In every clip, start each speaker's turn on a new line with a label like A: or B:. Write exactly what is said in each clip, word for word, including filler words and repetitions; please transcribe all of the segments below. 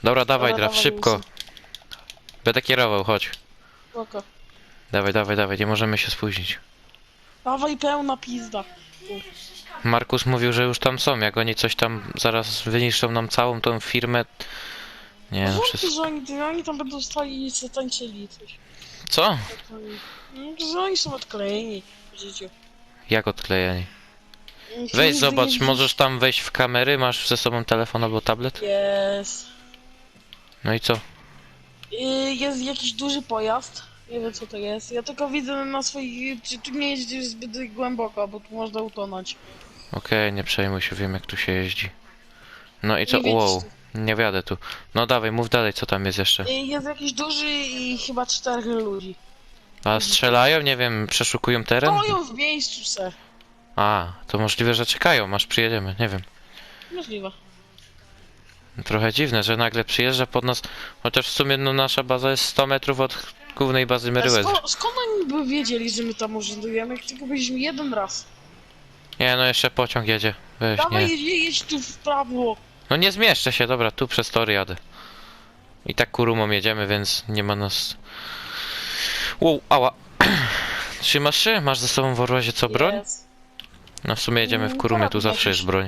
A: Dobra, dawaj,
B: Dobra,
A: Draf,
B: dawaj,
A: szybko.
B: Wilson.
A: Będę kierował, chodź.
B: Spoko.
A: Dawaj, dawaj, dawaj, nie możemy się spóźnić.
B: Dawaj pełna pizda.
A: Markus mówił, że już tam są, jak oni coś tam zaraz wyniszczą nam całą tą firmę. Nie no,
B: Wątpię,
A: wszystko.
B: że oni, oni tam będą stali i se tańczyli coś.
A: Co?
B: No, że oni są odklejeni w życiu.
A: Jak odklejeni?
B: Nikt
A: Weź
B: nigdy
A: zobacz,
B: nie-
A: możesz tam wejść w kamery, masz ze sobą telefon albo tablet?
B: Jest.
A: No i co?
B: Y, Jest jakiś duży pojazd. Nie wiem co to jest. Ja tylko widzę na swoich... Czy tu nie jeździsz zbyt głęboko, bo tu można utonąć.
A: Okej, nie przejmuj się, wiem jak tu się jeździ. No i co?
B: Nie wiedziesz
A: Wow,
B: tu.
A: nie wiadę tu. No dawaj, mów dalej, co tam jest jeszcze.
B: Y, Jest jakiś duży i chyba czterech ludzi.
A: A strzelają? Nie wiem, przeszukują teren?
B: Stoją w miejscu se.
A: A, to możliwe, że czekają, aż przyjedziemy, nie wiem.
B: Możliwe.
A: Trochę dziwne, że nagle przyjeżdża pod nas, chociaż w sumie no, nasza baza jest sto metrów od głównej bazy
B: A
A: Meriwether.
B: sko skąd oni by wiedzieli, że my tam urzędujemy? Jak tylko byliśmy jeden raz.
A: Nie no, jeszcze pociąg jedzie. Weź,
B: Dawaj,
A: nie.
B: jedź, jedź tu w prawo.
A: No nie zmieszczę się, dobra, tu przez tory jadę. I tak kurumą jedziemy, więc nie ma nas... Wow, ała. Trzymasz się? Masz ze sobą w Orłazie co, broń?
B: Jest.
A: No w sumie jedziemy w
B: Mm,
A: kurumie, tu
B: karabin
A: zawsze
B: jakiś.
A: jest broń.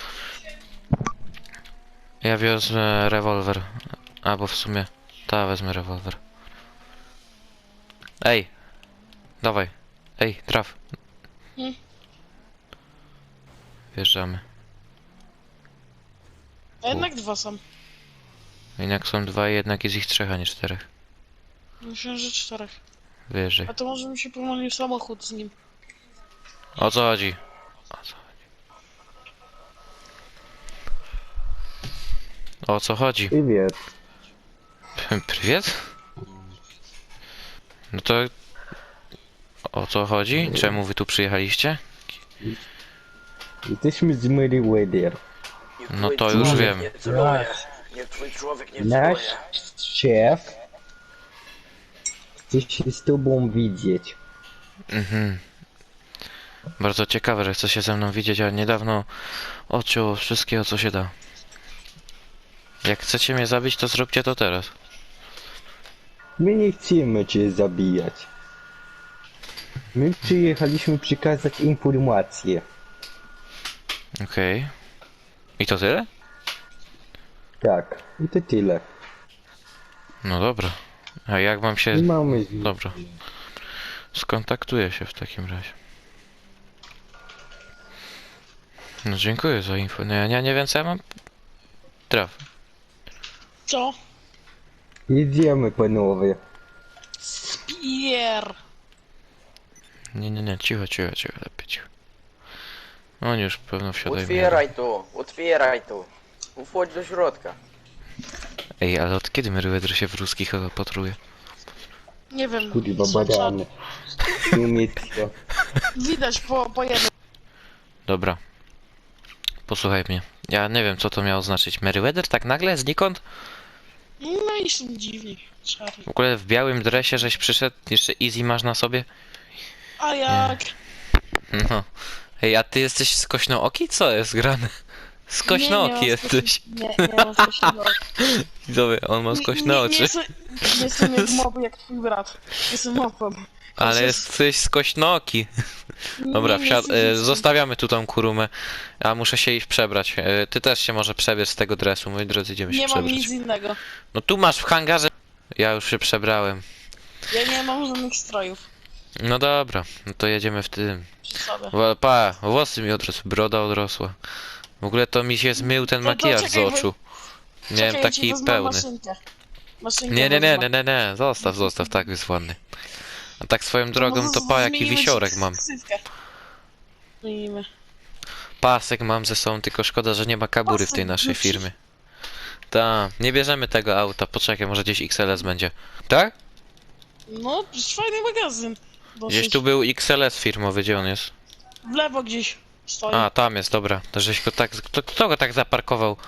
A: Ja wezmę rewolwer. Albo w sumie... Ta, wezmę rewolwer. Ej! Dawaj. Ej, traf.
B: Hmm?
A: Wjeżdżamy.
B: A jednak dwa są.
A: Jednak są dwa i jednak jest ich trzech, a nie czterech.
B: Myślę, że czterech.
A: Wyjeżdżaj.
B: A to może mi się pomylił samochód z nim.
A: O co chodzi? O co chodzi? O co chodzi?
C: Привет.
A: Prywiet? No to... O co chodzi? Czemu wy tu przyjechaliście?
C: Jesteśmy z Meriwether.
A: No to już wiem.
D: Nie celuję. Nie twój człowiek nie
C: Nasz
D: celuje.
C: szef chce się z tobą widzieć.
A: Mhm. Bardzo ciekawe, że chce się ze mną widzieć, a niedawno odciął wszystkiego co się da. Jak chcecie mnie zabić, to zróbcie to teraz.
C: My nie chcemy cię zabijać. My przyjechaliśmy przekazać informację.
A: Okej. I to tyle?
C: Tak, i to tyle.
A: No dobra. A jak mam się...
C: Nie mamy...
A: Dobra. Skontaktuję się w takim razie. No dziękuję za info. No ja nie, nie wiem co ja mam... Traf.
B: Co?
C: Jedziemy, panowie.
B: Spier.
A: Nie, nie, nie, cicho, cicho, cicho, lepiej cicho. Oni już pewno wsiadają.
D: Otwieraj to, otwieraj to. Wchodź do środka.
A: Ej, ale od kiedy Meriwether się w ruskich opatruje?
B: Nie wiem.
C: Kurwa,
B: są
C: badany. Niemiecko.
B: Widać po, po jednym.
A: Dobra. Posłuchaj mnie. Ja nie wiem co to miało znaczyć. Meriwether tak nagle, znikąd?
B: No i są dziwni. Szary.
A: W ogóle w białym dresie żeś przyszedł, jeszcze easy masz na sobie?
B: A jak?
A: No. Ej, a ty jesteś skośnooki? Co jest grane? Skośnooki
B: Nie, nie mam
A: jesteś.
B: skośno- Nie, nie mam skośnego.
A: Widzowie, on ma skośne
B: Nie, nie,
A: oczy.
B: nie, jestem, nie jestem jak mob, jak twój brat. Jestem mopem.
A: Ale jesteś skośnooki. Dobra, wsiad... e, zostawiamy tu tą kurumę. A muszę się iść przebrać. E, ty też się może przebierz z tego dresu, moi drodzy, idziemy się
B: Nie mam
A: przebrać.
B: nic innego.
A: No tu masz w hangarze. Ja już się przebrałem.
B: Ja nie mam żadnych strojów
A: No dobra, no to jedziemy w tym.
B: przy sobie.
A: Wa- Pa, włosy mi odrosły, broda odrosła. W ogóle to mi się zmył ten
B: To- to
A: makijaż z
B: czekaj, bo-
A: oczu. Miałem
B: Czekaj, ja ci
A: taki
B: wezmę
A: pełny.
B: Maszynkę. Maszynkę
A: Nie, nie, nie,
B: wezmę.
A: nie, nie, nie, zostaw, zostaw, tak jest ładny. A tak swoją
B: To
A: drogą
B: może
A: to pa jaki
B: zmienimy ci
A: wisiorek mam.
B: ksywkę. Zmienimy.
A: Pasek mam ze sobą, tylko szkoda, że nie ma kabury w tej
B: Pasek
A: naszej
B: Gucci.
A: firmie. Ta, nie bierzemy tego auta, poczekaj, może gdzieś X L S będzie. Tak?
B: No, to jest fajny magazyn. Dosyć.
A: Gdzieś tu był X L S firmowy, gdzie on jest?
B: W lewo gdzieś stoi.
A: A, tam jest, dobra. To żeś go tak, kto, kto go tak zaparkował?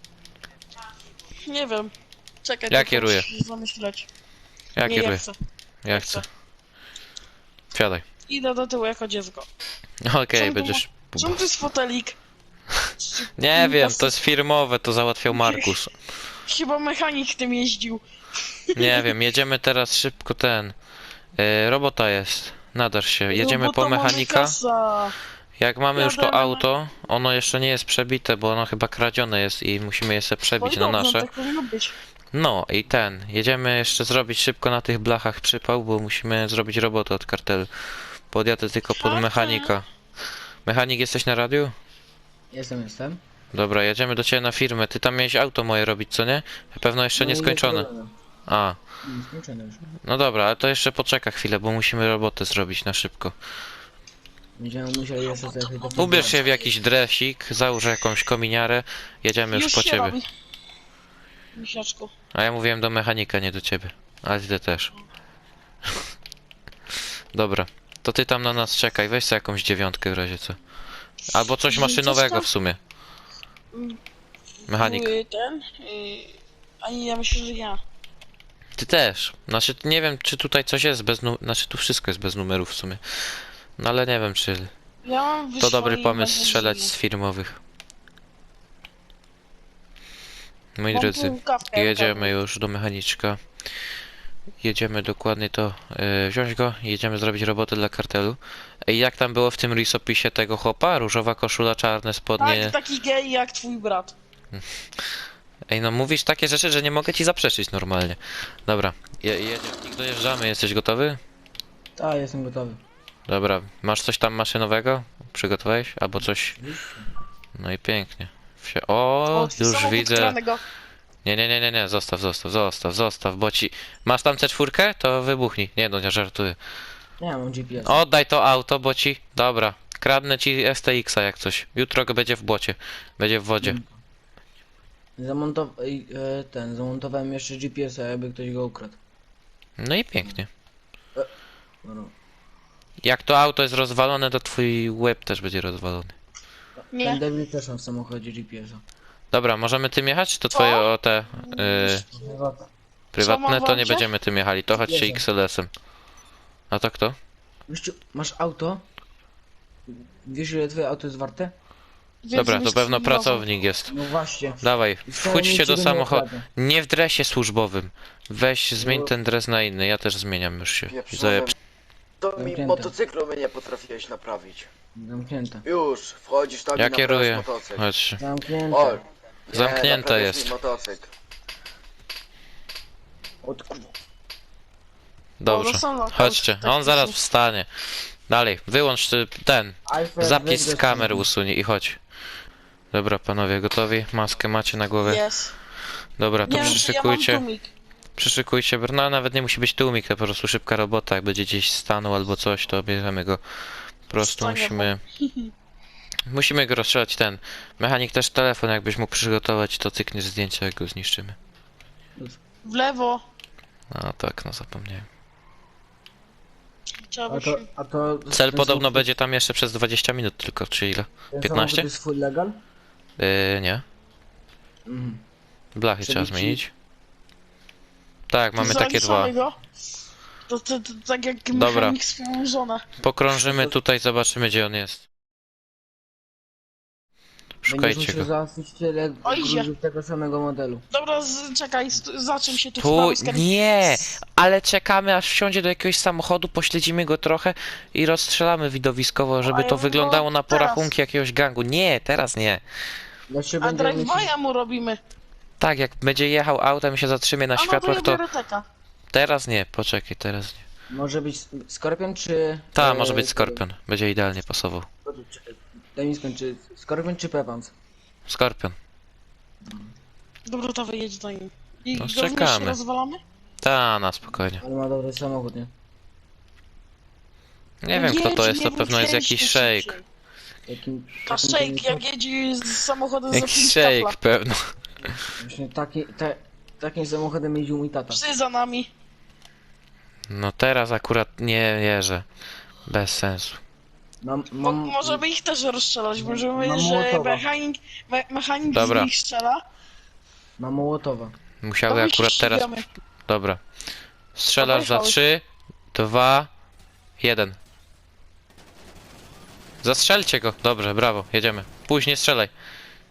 B: Nie wiem. Czekaj,
A: Ja
B: tylko
A: kieruję.
B: muszę zamyśleć.
A: Ja
B: Nie,
A: kieruję,
B: ja chcę.
A: ja chcę. Wsiadaj.
B: Idę do tyłu jako dziecko.
A: Okej,
B: Czemu tu
A: będziesz...
B: Czemu to jest fotelik?
A: Nie wiem, to jest firmowe, to załatwiał Markus.
B: Chyba mechanik tym jeździł.
A: Nie wiem, jedziemy teraz szybko ten. Yy, robota jest. Nadarz się. Jedziemy
B: No bo
A: po
B: to mamy
A: mechanika.
B: kasa.
A: Jak mamy już to
B: Jadę na-
A: auto, ono jeszcze nie jest przebite, bo ono chyba kradzione jest i musimy je sobie przebić
B: Oj,
A: na
B: dobrze,
A: nasze.
B: tak powinno być.
A: No i ten. Jedziemy jeszcze zrobić szybko na tych blachach przypał, bo musimy zrobić robotę od kartelu. Podjadę tylko pod
B: Okej.
A: mechanika. Mechanik, jesteś na radiu?
E: Jestem, jestem.
A: Dobra, jedziemy do ciebie na firmę. Ty tam miałeś auto moje robić, co nie? Pewno jeszcze
E: No
A: nie
E: i
A: skończone.
E: zrobione.
A: A,
E: Nie, skończone już.
A: no dobra, ale to jeszcze poczeka chwilę, bo musimy robotę zrobić na szybko.
E: Będziemy musieli jeszcze sobie to
A: Ubierz się w jakiś dresik, załóż jakąś kominiarę, jedziemy już,
B: Już
A: po
B: się
A: ciebie.
B: robi. Misiaczku.
A: A ja mówiłem do mechanika, nie do ciebie. Ale ty też. Dobra, to ty tam na nas czekaj, weź sobie jakąś dziewiątkę w razie co. Albo coś maszynowego w sumie. Mechanik.
B: Były ten. Yy, a ja myślę, że ja.
A: Ty też. Znaczy, nie wiem, czy tutaj coś jest bez numerów. Znaczy, tu wszystko jest bez numerów w sumie. No ale nie wiem, czy
B: Ja mam
A: to dobry
B: wysłanie
A: pomysł
B: na
A: strzelać
B: benzynie.
A: z firmowych. Moi
B: Mam
A: drodzy,
B: tu kawkę,
A: jedziemy już do mechaniczka. Jedziemy dokładnie to yy, wziąć go i jedziemy zrobić robotę dla kartelu. Ej, jak tam było w tym risopisie tego chłopa? Różowa koszula, czarne spodnie.
B: Tak, taki gej jak twój brat.
A: Ej, no mówisz takie rzeczy, że nie mogę ci zaprzeczyć normalnie. Dobra, je, jedziemy i dojeżdżamy. Jesteś gotowy?
E: Tak, jestem gotowy.
A: Dobra, masz coś tam maszynowego? Przygotowałeś? Albo coś? No i pięknie. Wsie... O,
B: twój
A: już
B: samochód
A: widzę.
B: kranego.
A: Nie, nie, nie, nie, nie, zostaw, zostaw, zostaw, zostaw, bo ci... Masz tam C cztery? To wybuchnij. Nie no, nie żartuję.
E: Nie, mam G P S.
A: Oddaj to auto, bo ci... Dobra, kradnę ci S T X-a jak coś. Jutro go będzie w błocie. Będzie w wodzie.
E: Zamontow... ej, e, ten, zamontowałem jeszcze G P S-a, jakby ktoś go ukradł.
A: No i pięknie.
E: Dobra.
A: Jak to auto jest rozwalone, to twój łeb też będzie rozwalony.
E: Ten
B: Nie.
E: Devil też ma w samochodzie G P S-a.
A: Dobra, możemy tym jechać, czy to twoje o te yy,
E: Chyba
A: prywatne? To nie
B: Zamawiam cię?
A: będziemy tym jechali, to chodźcie
E: Jedzie.
A: X L S-em. A to kto?
E: Gościu, masz auto? Wiesz ile twoje auto jest warte?
A: Dobra, to
B: Więc
A: pewno
B: mi-
A: pracownik jest.
E: No właśnie.
A: Dawaj,
E: I wcale
A: wchódźcie
E: nikt
A: do
E: ciebie nie
A: samochodu.
E: okradnie.
A: Nie w dresie służbowym. Weź, zmień
E: No.
A: ten dres na inny, ja też zmieniam już się.
D: Pieprzony.
A: Zajeb...
D: To mi
E: Zamknięte.
D: motocyklu mnie nie potrafiłeś naprawić.
E: Zamknięte.
D: Już, wchodzisz tam
A: Ja
D: i naprawiasz
A: kieruję.
D: motocykl.
A: Chodź.
E: Zamknięte.
D: O, nie,
A: Zamknięte
D: naprawiasz
A: jest.
D: mi motocykl.
E: Od kurwa.
A: Dobrze.
B: No, są na-
A: Chodźcie,
B: tak,
A: on zaraz
B: tak.
A: wstanie. Dalej, wyłącz y, ten.
E: Alfred,
A: Zapis
E: weź
A: z
E: go
A: kamer
E: stąd.
A: usuń i chodź. Dobra, panowie, gotowi? Maskę macie na głowę?
B: Jest.
A: Dobra, to
B: Nie wiem, czy ja mam
A: przyszykujcie.
B: tłumik.
A: Przyszykujcie, br- no nawet nie musi być tłumik, to po prostu szybka robota, jak będzie gdzieś stanął albo coś, to bierzemy go. Po prostu
B: Stanie,
A: musimy... Musimy go rozstrzelać ten. Mechanik też telefon, jakbyś mógł przygotować, to cykniesz zdjęcia, jak go zniszczymy.
B: W lewo.
A: A tak, no zapomniałem.
B: Trzeba
E: A
B: by
E: to,
B: się...
E: a to...
A: Cel
E: ten
A: podobno
E: samochód-
A: będzie tam jeszcze przez dwadzieścia minut tylko, czy ile?
E: ten
A: piętnaście?
E: samochód jest full legal?
A: Yy, nie.
E: Mhm.
A: Blachy trzeba
E: Przebici?
A: zmienić. Tak, mamy takie dwa.
B: Zaliczamy go. To, to, to tak jak
A: Dobra.
B: mechanik swoją żonę.
A: Pokrążymy tutaj, zobaczymy gdzie on jest.
E: Będziesz
A: Szukajcie
E: musiał
A: go.
E: załatwić tyle
B: O, idzie.
E: gruzów tego samego modelu.
B: Dobra, z, czekaj, st- za czym się tu
A: Tu,
B: wprawi z kar-
A: nie! Ale czekamy aż wsiądzie do jakiegoś samochodu, pośledzimy go trochę i rozstrzelamy widowiskowo, żeby
B: A
A: to
B: ja
A: wyglądało na
B: teraz.
A: porachunki jakiegoś gangu. Nie, teraz nie.
E: Ja się
B: A
E: będę mieć...
B: drive'a mu robimy.
A: Tak, jak będzie jechał autem i się zatrzymie na
B: A no to
A: światłach,
B: ja
A: to
B: biorę teka.
A: teraz nie, poczekaj, teraz nie.
E: Może być Skorpion czy...
A: Ta,
E: e,
A: może być Skorpion, będzie idealnie pasował.
E: czekaj, Daj mi skończyć. Skorpion czy Pepans?
A: Skorpion.
B: Dobra, to wyjedź do nim. I
A: No,
B: go w mieście
A: czekamy.
B: rozwalamy?
A: Ta, na spokojnie.
E: Ale ma dobry samochód, nie?
A: Nie wiem kto to
B: Jedź,
A: jest,
B: nie
A: to pewno jest
B: wróć,
A: jakiś
B: jedź
A: shake.
E: Takim...
B: szybciej. A
E: takim
B: shake,
E: tym-
B: jak jedzie z samochodem za
A: Jakiś
B: pięć
A: shake
B: kapla.
A: pewno.
E: Właśnie taki, te, takim samochodem jeździł mój tata.
B: Psy za nami.
A: No teraz akurat nie wierzę. Bez sensu.
E: Mam,
B: Bo
E: mam,
B: możemy ich też rozstrzelać. Możemy,
E: mam
B: że
E: Mołotowa.
B: mechanik, me, mechanik
A: Dobra.
B: z nich strzela.
E: mam Mołotowa.
A: Musiały
B: to my się
A: akurat teraz...
B: ścigamy.
A: Dobra. Strzelasz za
B: Pojechały.
A: trzy, dwa, jeden. Zastrzelcie go. Dobrze, brawo, jedziemy. Później strzelaj.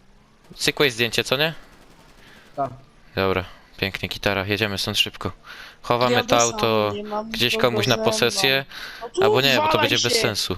A: Cykłeś zdjęcie, co nie?
E: Tak.
A: Dobra, pięknie, gitara, jedziemy stąd szybko. Chowamy
B: Jadę
A: to
B: sam,
A: auto
B: nie mam
A: gdzieś
B: nikogo
A: komuś na
B: ze mną.
A: posesję,
B: No tu
A: albo nie, bo to
B: walaj
A: będzie bez
B: się.
A: sensu.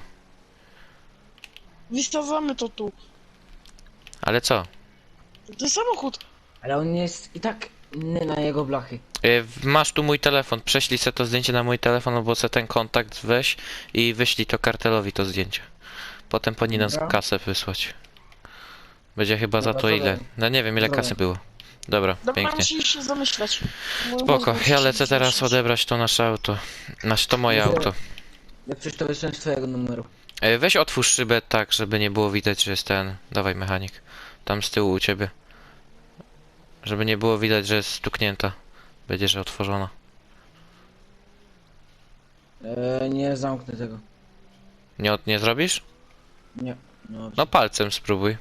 B: Wystawamy to tu.
A: Ale co?
B: To samochód.
E: Ale on jest i tak inny na jego blachy.
A: Y, Masz tu mój telefon, prześlij se to zdjęcie na mój telefon, albo se ten kontakt weź i wyślij to kartelowi to zdjęcie. Potem powinni nas
E: Dobra.
A: kasę wysłać. Będzie chyba za
E: Dobra,
A: to
E: to
A: ile?
E: daj.
A: No nie wiem ile
E: Dobra.
A: kasy było. Dobra,
B: Dobra,
A: pięknie.
B: musisz się zamyśleć. Mój
A: Spoko,
B: mózg
A: ja
B: musi
A: lecę
B: się
A: teraz
B: zamyśleć.
A: odebrać to nasze auto. Znaczy to moje
E: Dobra.
A: auto.
E: Jak coś to wysłałem z twojego numeru.
A: E, Weź otwórz szybę tak, żeby nie było widać, że jest ten... Dawaj mechanik. Tam z tyłu u ciebie. Żeby nie było widać, że jest stuknięta. Będzie, że otworzona.
E: Eee, nie zamknę tego.
A: Nie, od- nie zrobisz?
E: Nie. No,
A: No palcem spróbuj.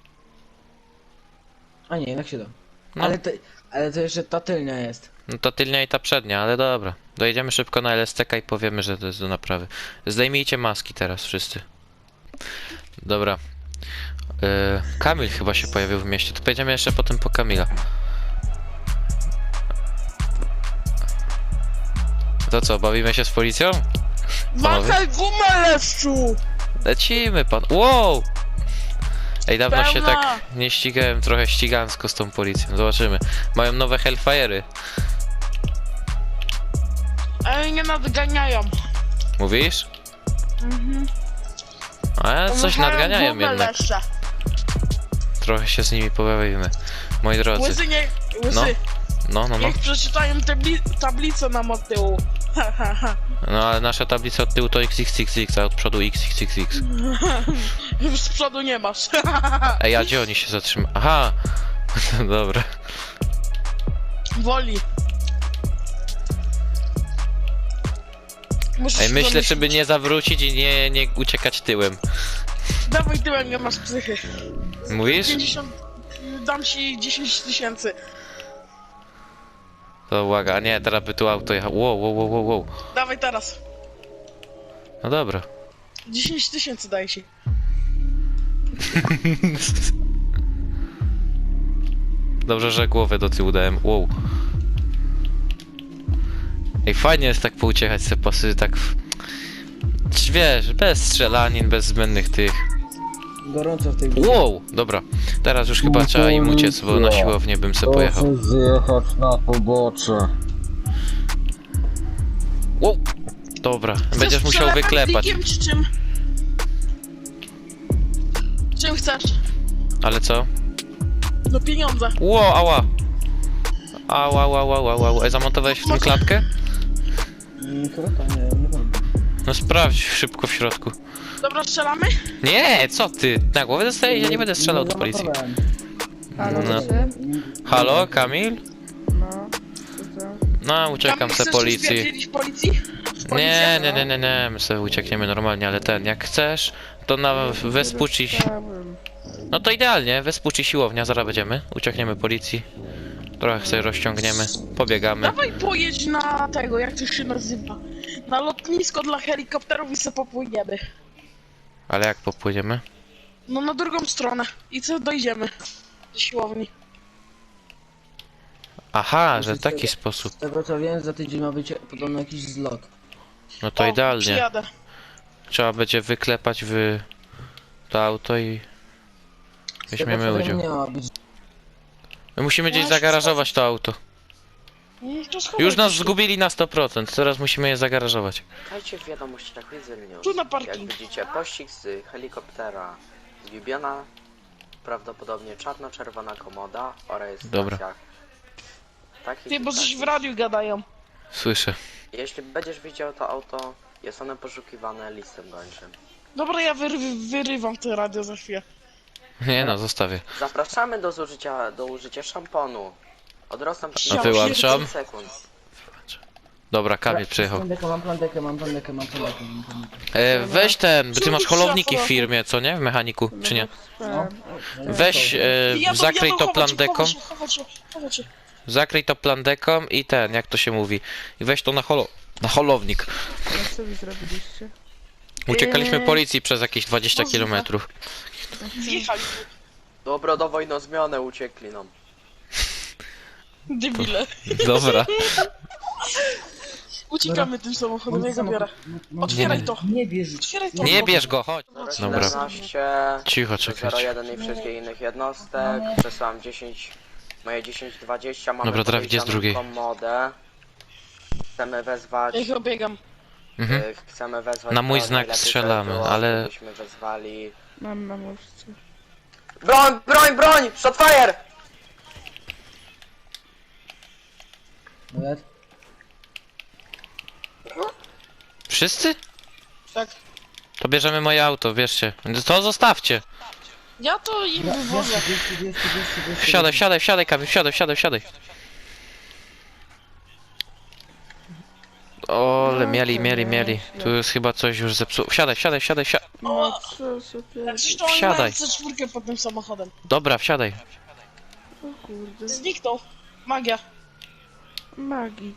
E: A nie, jednak się da.
A: No.
E: Ale, to, ale to jeszcze ta tylnia jest.
A: No to tylnia i ta przednia, ale dobra. Dojedziemy szybko na L S T K i powiemy, że to jest do naprawy. Zdejmijcie maski teraz wszyscy. Dobra. Yy, Kamil chyba się pojawił w mieście. To pojedziemy jeszcze potem po Kamila. To co, bawimy się z policją?
B: Wahaj gumę, leszczu!
A: Lecimy pan. Wow! Ej, dawno się
B: Pełna.
A: tak nie ścigałem trochę ścigansko z tą policją. Zobaczymy. Mają nowe Hellfire'y.
B: Ale nie nadganiają.
A: Mówisz?
B: Mhm.
A: A coś
B: Wahają
A: nadganiają
B: gumę,
A: jednak.
B: leszcze.
A: Trochę się z nimi pobawimy. Moi drodzy.
B: Łysy nie... Łysy.
A: No. No, no, no.
B: Niech przeczytają tabli tablicę nam od tyłu. Ha, ha, ha.
A: No ale nasza tablica od tyłu to X X X X, a od przodu X X X X.
B: Już z przodu nie masz.
A: Ej, a gdzie oni się zatrzymają? Aha! Dobra.
B: Woli. Muszę
A: Ej,
B: się
A: myślę,
B: zamyślić.
A: żeby nie zawrócić i nie, nie uciekać tyłem.
B: Dawaj tyłem, nie masz psychy.
A: Mówisz?
B: pięćdziesiąt... Dam ci dziesięć tysięcy.
A: To uwaga, a nie, teraz by tu auto jechało. Wow, wow, wow, wow, wow.
B: Dawaj teraz.
A: No dobra.
B: dziesięć tysięcy daj ci.
A: Dobrze, że głowę do tyłu dałem. Wow. Ej, fajnie jest tak pouciechać se pasy, tak... w- Wiesz, bez strzelanin, bez zbędnych tych.
E: Gorąco w tej
A: Wow, dobra. Teraz już chyba trzeba im uciec, bo na siłownię bym se pojechał.
C: Proszę zjechać na pobocze.
A: Wow. Dobra, będziesz
B: Chcesz
A: musiał
B: przelewem,
A: wyklepać.
B: plikiem, czy czym? Czym chcesz?
A: Ale co?
B: No pieniądze.
A: Ło, ała. Ała, ała, ała, ała, ała. Ej, zamontowałeś w tym klatkę?
E: Mm, chyba to nie, nie wiem.
A: No sprawdź szybko w środku.
B: Dobra, strzelamy?
A: Nie, co ty? Na głowę dostajesz? Ja nie będę strzelał do policji.
E: zamontowałem.
F: Halo,
A: No.
F: czy?
A: Halo, Kamil?
F: No, co to?
A: No, uciekam
B: Kamil,
A: se
B: chcesz
A: policji.
B: uspierdzielić policji?
A: Nie,
B: Policja?
A: nie, nie, nie, nie, my sobie uciekniemy normalnie, ale ten, jak chcesz, to na Vespucci...
F: Dostałem.
A: No to idealnie, Vespucci siłownia, zaraz będziemy. Uciekniemy policji. Trochę sobie rozciągniemy, pobiegamy.
B: Dawaj pojedź na tego, jak to się nazywa. Na lotnisko dla helikopterów i se popłyniemy.
A: Ale jak popłyniemy?
B: No na drugą stronę. I co dojdziemy? Do siłowni.
A: Aha, że w
E: Z
A: taki
E: tego-
A: sposób.
E: Z tego co wiem, za tydzień ma być podobno jakiś zlot.
A: No to
B: O,
A: idealnie.
B: Przyjadę.
A: Trzeba będzie wyklepać w to auto i
E: Z tego,
A: weźmiemy
E: co wiem,
A: udział.
E: nie ma być.
A: My musimy gdzieś
B: No,
A: zagarażować to auto.
B: Mm, to schowaj
A: Już nas
B: się.
A: zgubili na sto procent, teraz musimy je zagarażować.
D: Dajcie w wiadomościach Widzę News.
B: Tu na
D: Jak
B: parking.
D: widzicie pościg z helikoptera zgubiona, prawdopodobnie czarno-czerwona komoda o rejestracjach. Takich
B: Ty,
D: i
B: bo coś
D: takich.
B: w radiu gadają.
A: Słyszę.
D: Jeśli będziesz widział to auto, jest ono poszukiwane listem gończym.
B: Dobra, ja wyry wyrywam to radio za chwilę.
A: Nie no, zostawię.
D: Zapraszamy do zużycia, do użycia szamponu. Odrosną
B: Ja
A: wyłączam.
D: sekund.
A: Dobra, Kamil przyjechał.
E: Plandekę, mam plandekę, mam plandekę, mam plandekę, mam plandekę.
A: E, weź ten, bo ty masz
B: Czemu
A: holowniki w
B: trzeba
A: firmie, co nie? W mechaniku, czy nie?
E: No.
A: Weź, e,
B: Jadą,
A: zakryj
B: jadą,
A: to
B: chować się,
A: plandeką,
B: chować się, chować się, chować się.
A: zakryj to plandeką i ten, jak to się mówi. I weź to na holo... na holownik.
F: No co wy zrobiliście?
A: Uciekaliśmy
B: Eee.
A: policji przez jakieś dwadzieścia kilometrów.
B: Zjechali.
D: Dobra, dawaj na zmianę, uciekli nam.
B: Debile.
A: Dobra.
B: Uciekamy tym samochodem, ja go biorę. Otwieraj to.
C: Nie bierz.
B: Otwieraj to.
A: Nie bierz go, chodź.
D: Dobra,
A: Dobra.
D: siedemnaście,
A: Cicho,
D: zero
A: czekajcie.
D: jeden i wszystkich innych jednostek. Przesłałem dziesięć, moje dziesięć dwadzieścia. Mamy
A: Dobra, Drawid, gdzie z
D: podejrzaną
A: drugiej?
D: komodę. Chcemy wezwać...
B: Ja ich obiegam.
A: Mhm.
D: y, Chcemy wezwać...
A: Na mój
D: to
A: znak
D: najlepiej
A: strzelamy,
D: by było,
A: ale-
D: gdybyśmy wezwali...
F: Mam na muszce.
D: Broń, broń, broń! Shotfire!
E: Nawet?
A: Wszyscy?
B: Tak.
A: To bierzemy moje auto, bierzcie. To zostawcie.
B: Ja to im wywożę.
C: Dwieście, dwieście, dwieście, dwieście.
A: Wsiadaj, wsiadaj, wsiadaj, Kamil, wsiadaj, wsiadaj, wsiadaj. Ole, mieli, mieli, mieli. Tu jest chyba coś już zepsuło. Wsiadaj, wsiadaj, wsiadaj, wsiadaj.
F: No co sobie...
B: Jak coś to oni
A: Wsiadaj.
B: mają C cztery pod tym samochodem.
A: Dobra, wsiadaj.
F: O kurde.
B: Zniknął. Magia.
F: Magik.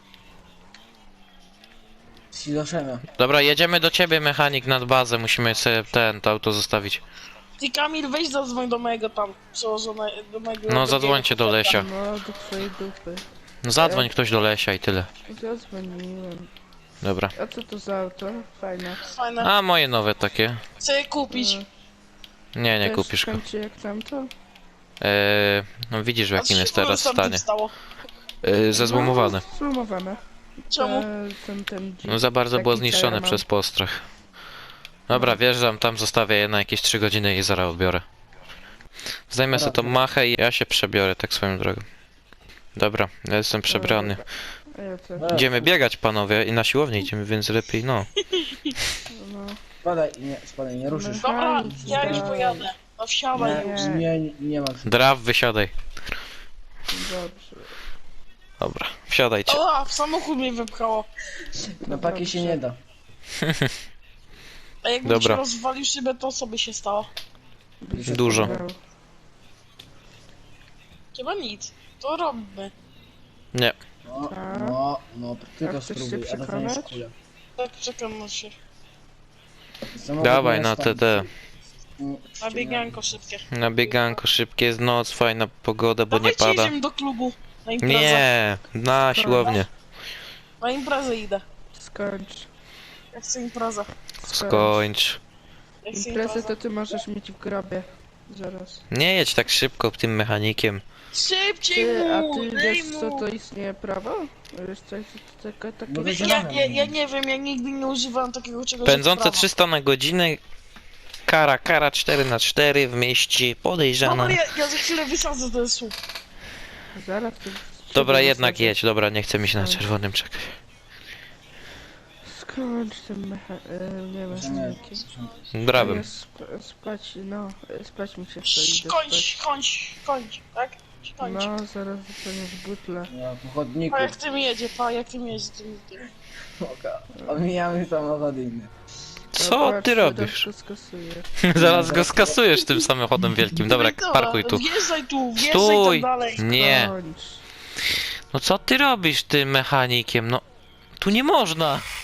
E: Siloszemia.
A: Dobra, jedziemy do ciebie, mechanik, nad bazę. Musimy sobie ten, to auto zostawić.
B: Ty Kamil, weź zadzwoń do mojego tam, przełożonego, do mojego...
A: No, zadzwońcie do Lesia.
F: No, do twojej dupy.
A: No, zadzwoń ktoś do Lesia i tyle.
F: Zadzwoniłem.
A: Dobra.
F: A co to za auto? Fajne.
B: Fajne.
A: A, moje nowe takie.
B: Chcę je kupić.
A: Nie, nie
F: Też
A: kupisz go.
F: skończy jak tamto?
A: Eee, no widzisz w
B: A
A: jakim
B: co
A: jest
B: się
A: teraz
B: z tamtym
A: stanie.
B: stało?
A: Eee, zezłomowane.
F: No, zlumowane.
B: Czemu?
F: E, ten, ten
A: No za bardzo
F: taki
A: było zniszczone
F: Fireman.
A: przez postrach. Dobra, wjeżdżam, tam zostawię je na jakieś trzy godziny i zaraz odbiorę. Zajmę sobie tą machę i ja się przebiorę tak swoją drogą. Dobra, ja jestem przebrany.
F: A ja co?
A: Idziemy biegać, panowie, i na siłownię idziemy, więc lepiej, no.
F: No.
E: Spadaj, nie, spadaj, nie ruszysz.
B: Dobra, ja już
F: Daj.
B: pojadę. No wsiadaj
E: Nie,
B: już.
E: nie, nie, nie ma.
A: Draw, wysiadaj.
F: Dobrze.
A: Dobra, wsiadajcie.
B: O, w samochód mnie wypchało.
E: Na paki się nie da.
B: A jakbym
A: Dobra.
B: ci rozwalił szybę, to co by się stało?
A: Dużo.
B: Chyba nic. To robimy.
A: Nie,
E: No,
F: Tak.
E: no, no, ty
F: A
E: to
F: chcesz się
E: spróbuj, a dostaniesz
F: przekonać?
E: kulę.
B: Tak przekonam się.
E: Samochód
A: dawaj
E: nie
A: na
E: stanie.
A: T D.
E: Mm,
B: Na bieganko szybkie.
A: Na bieganko, szybkie, jest noc, fajna pogoda, bo nie
B: Dawajcie,
A: pada.
B: jedziemy do klubu. Na imprezę.
A: Nie, na siłownię.
B: Na imprezę idę.
F: Skończ.
B: Ja chcę imprezę.
A: Skończ.
B: Ja chcę
F: Imprezę
B: imprezę.
F: to ty możesz mieć w grobie. Zaraz.
A: Nie jedź tak szybko tym mechanikiem.
B: Szybciej
F: Ty, a
B: mu!
F: ty
B: Daj
F: wiesz co
B: mu!
F: to istnieje prawo? Wiesz co jest taka, takie...
E: No wiesz,
B: Ja, ja, ja nie wiem, ja nigdy nie używałem takiego czegoś jak
A: Pędzące
B: prawo.
A: trzysta na godzinę. Kara, kara cztery na cztery w mieście, podejrzana.
B: Dobra, ja, ja za chwilę wysadzę ten słup.
F: Zaraz to...
A: Dobra,
F: ciebie
A: jednak
F: wysadzę.
A: jedź, dobra, nie chce mi się na czerwonym czekać.
F: Skończ ten mecha... E, nie mechanikiem.
A: Brabym.
F: Ja Sp spać, no, e, spać mi się chce, idę
B: Kończ,
F: spać.
B: kończ, kończ, tak? Kończ.
F: No, zaraz dostaniesz butle.
E: Ja po chodniku.
B: Pa, jak tym jedzie, pa, jak tym jedzie, tym, tym.
E: Oka. Omijamy samochód inny.
A: Co ty robisz?
F: To skasuję.
A: Zaraz go skasujesz tym samochodem wielkim. Dobra, parkuj tu.
B: Wjeżdżaj tu, wjeżdżaj
A: Stój!
B: tam dalej.
A: Nie.
F: Kończ.
A: No co ty robisz tym mechanikiem? No, tu nie można.